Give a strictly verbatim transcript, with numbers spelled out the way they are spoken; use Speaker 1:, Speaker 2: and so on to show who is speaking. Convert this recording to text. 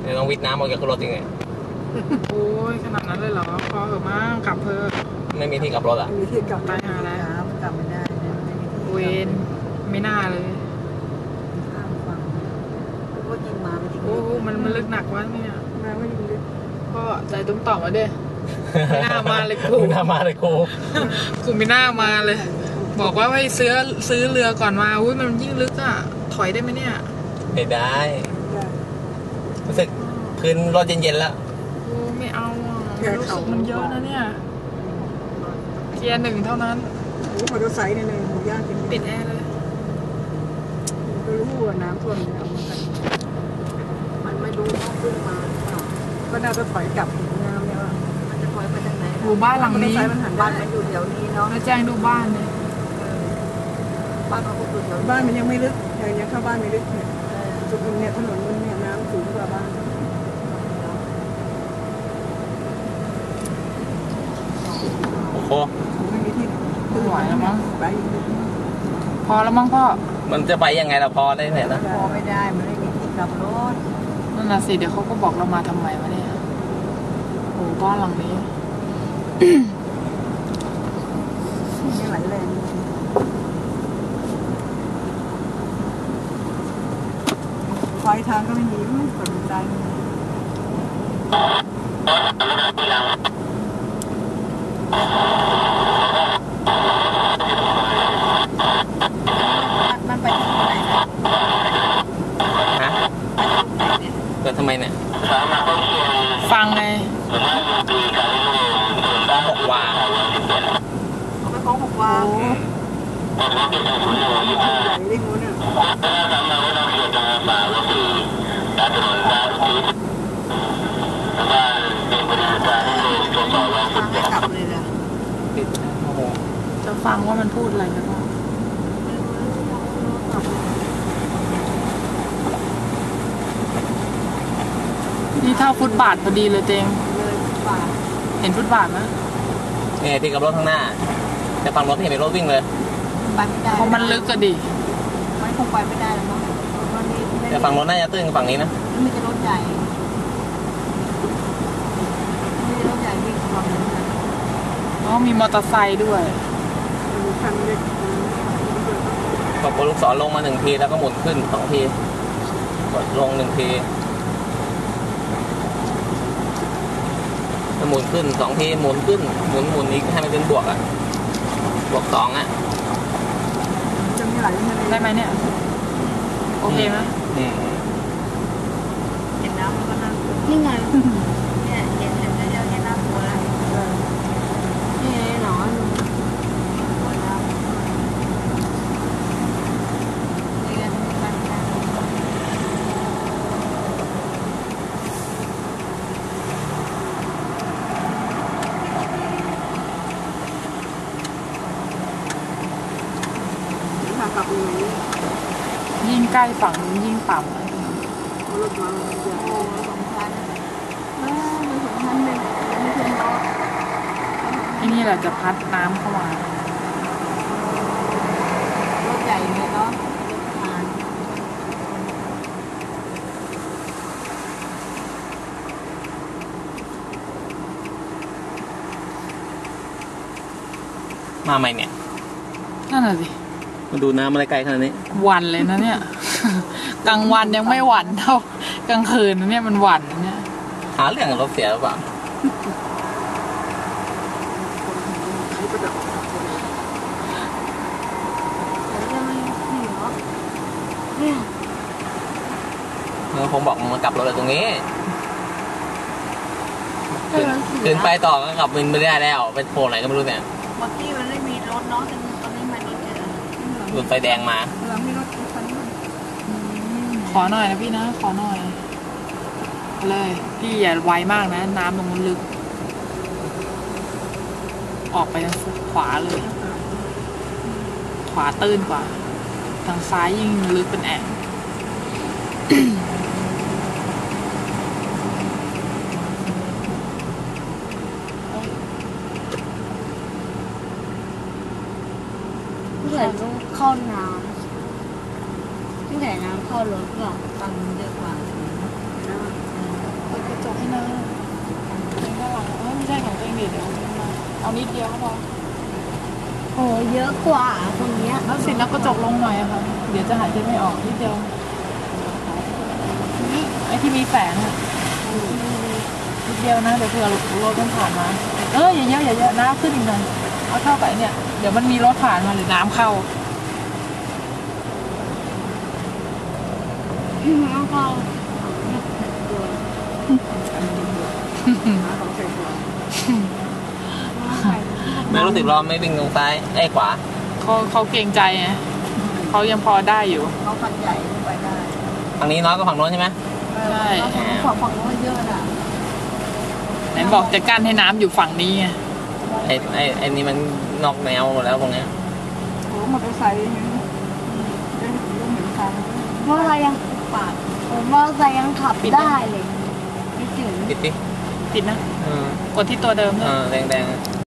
Speaker 1: ดี๋ยวต้องวิทน้ำออกจากรถจริงไง
Speaker 2: โอ้ยขนาดนั้นเลยเหรอพอเหอะมากกลับเพิ่ม
Speaker 1: ไม่มีที่กลับรถอ่ะ
Speaker 3: มีที่กลับ
Speaker 2: ตายหาแล้ว
Speaker 3: กลับไม่ได้
Speaker 2: เวนไม่น่าเลย
Speaker 3: ข้ามฝั่งก็ยิงมาไม่ทิ้ง
Speaker 2: โอ้มันมันลึกหนักวะเนี่ย
Speaker 3: มาไม่ยิงลึก
Speaker 2: ก็ใจตุ้มต่อมาเด้ไม่น่ามาเลยกู
Speaker 1: ไม่น่ามาเลยกู
Speaker 2: กูไม่น่ามาเลยบอกว่าให้ซื้อซื้อเรือก่อนมาอุ้ยมันยิ่งลึกอ่ะถอยได้ไหมเนี่ย
Speaker 1: ไม่ได้รู้สึกคืนรถเย็นๆแล้ว
Speaker 2: โอ้ไม่เอาอ่ะรู้สึกมันเยอะนะเนี่ยเกียร์หนึ่งเท่านั้น
Speaker 3: โอ้มอเตอร์ไซค์เนี่ยเลยหมูย่างกิน
Speaker 2: ปิดแอร์เลย
Speaker 3: ก็รู้ว่าน้ำท่วมเนี่ยเอามาใส่มันไม่รู้ต้องขึ้นมาก็น่าจะถอยกลับน้ำเนี่ยมันจะถอยไปทางไหน
Speaker 2: หมู่บ้านหลังนี้
Speaker 3: มันหันบ้านมันอยู่แถวนี้เนาะ
Speaker 2: มาแจ้งดูบ้านเลย
Speaker 3: บ้านเขาก็อยู่แถวบ้านมันยังไม่ลึกยังยังเข้าบ้านไม่ลึกเนี่ยจุดเนี่ยถนนมันเนี่ยน้ำสูงกว่าบ้าน
Speaker 1: โอ้โห
Speaker 3: ไม่มีที่
Speaker 2: ขึ้นไหวแล้วมั้ง
Speaker 3: ไป
Speaker 2: พอแล้วมั้งพ่อ
Speaker 1: มันจะไปยังไงล่ะพอได้ไหนนะ
Speaker 3: พอไม่ได้มันไม่มีที่กลับรถ
Speaker 2: นั่นน่ะสิเดี๋ยวเขาก็บอกเรามาทำไมวะเนี่ยโอ้บ้านหลังนี้
Speaker 3: นี่ไหลแรงไฟทางก็ไม่มีไม่สนใจมันไปที่ไหน
Speaker 1: ฮะเกิดทำไมเนี่ย
Speaker 2: ฟังไง
Speaker 1: ฟ้องหกวา
Speaker 3: เอาไปฟ้องหกวาโอ้เรื่องนู้นเนี่ยกลับเลยนะ
Speaker 2: จะฟังว่ามันพูดอะไรกันบ้างนี่เท่าฟุตบาทพอดีเลยเตงเห็นฟุตบาทไหม
Speaker 1: เนี่ยที่กับรถข้างหน้าแต่ฝั่งรถไม่เห็นเป็นรถวิ่งเลย
Speaker 3: ไปไม่ได้
Speaker 2: เพราะมันลึกก็ดี
Speaker 3: มันคงไปไม่ได้แล้วมั้ง
Speaker 1: แต่ฝั่งรถน่าจะตื้นฝั่งนี้นะ
Speaker 3: ไม่จะรถใหญ่ไม่จะรถใหญ่วิ่งฝั่งนี้นะ
Speaker 2: อ๋อมีมอเตอร์ไซค์ด้วย
Speaker 3: มีคันเล็ก
Speaker 1: กดลูกศรลงมาหนึ่งทีแล้วก็หมุนขึ้นสองทีกดลงหนึ่งทีหมุนขึ้นสองทีหมุนขึ้นหมุนหมุนอีกให้มันเป็นบวกอ่ะบวกสองอ่ะ
Speaker 3: จะมีไหล
Speaker 2: ได้ไหมเนี่ยโอเคไหม
Speaker 3: เห็นน้ำมันก็น่านี่ไงเนี่ยเห็นเห็นเดียวเห็นน้ำตัวแล้วนี่หนอนตัวน้ำนี่ไงมัน
Speaker 2: ยิ่งใกล้ฝั่งนู้นยิ่งต่ำเลย
Speaker 3: รถมาโอ้สองชั้นเออมันสองชั้นเลยไม่ใช่เนาะ
Speaker 2: ที่นี่แหละจะพัดน้ำเข้ามาร
Speaker 3: ถใหญ่เลยเนาะ
Speaker 1: มาใหม่เนี่ย
Speaker 2: นั่นแหละสิ
Speaker 1: มาดูน้ำอะไรไกลขนาดนี้
Speaker 2: หวั่นเลยนะเนี่ยกลางวันยังไม่หวั่นเท่ากลางคืนนะเนี่ยมันหวั่นนะเนี่ย
Speaker 1: หาเรื่องรถเสียหรือเปล่าเออผมบอกมันกลับรถเลยตรงนี้ขึ้นไปต่อก็กลับมินไม่ได้แล้วเป็นโผล่ไหนก็ไม่รู้เนี่ย
Speaker 3: เมื่อกี้มันไม่มีรถเนาะตอนนี้มันรถเยอะ
Speaker 1: หลุดไฟแดงมา
Speaker 2: ขอหน่อยนะพี่นะขอหน่อยเลยพี่อย่าไวมากนะน้ำตรงนั้นลึกออกไปทางขวาเลยขวาตื้นกว่าทางซ้ายยิ่งลึกเป็นแอ่ง
Speaker 3: เหมือนเข้าน้ำที่ไหนน้ำเข้ารถก็ตังเยอะกว่า
Speaker 2: นะเลนข้างหลังเออไม่ใช่ของตัวเองเดี๋ยวเดี๋ยวเอานิดเดียวก็พอ
Speaker 4: โอ้เยอะกว่าคนเนี้ย
Speaker 2: แล้วสิแล้วก็จกลงหน่อยอะค่ะเดี๋ยวจะหายใจไม่ออกนิดเดียวนี่ไอ้ที่มีแสงอะนิดเดียวนะเดี๋ยวเผื่อรถมันผ่านมาเอออย่าเยอะอย่าเยอะน้ำขึ้นอีกหน่อยเอาเท่ากับไอ้เนี่ยเดี๋ยวมันมีรถผ่านมาหรือน้ำเข้า
Speaker 4: แล้วก็
Speaker 1: ไม่รู้สึกร้อนไม่วิ่งตรงซ้ายไอ้ขวา
Speaker 2: เขาเขาเกรงใจไงเขายังพอได้อยู่
Speaker 3: เขาคันใหญ่ไปได้
Speaker 1: ฝั่งนี้น้อยกว่าฝั่งโน้นใช่ไหม
Speaker 2: ใช่
Speaker 3: ฝั่งฝั่งโน้นเยอะน่ะ
Speaker 2: ไหนบอกจะกั้นให้น้ำอยู่ฝั่งนี้ไง
Speaker 1: ไอ้ไอ้ไอ้นี่มันนอกแนวหมดแล้วตรงเนี้ย
Speaker 3: โอ้มอเตอร์ไซค์ยังได้เห็นทาง
Speaker 4: มอเตอร์ไซค์ยัง
Speaker 3: ปาด
Speaker 4: ผมมอเตอร์ไซค์ยังขับได้เลยไม่ถึง
Speaker 1: ปิดดิ
Speaker 2: ติดนะ
Speaker 1: เออก
Speaker 2: ดที่ตัวเดิมเล
Speaker 1: เอย อแดงๆ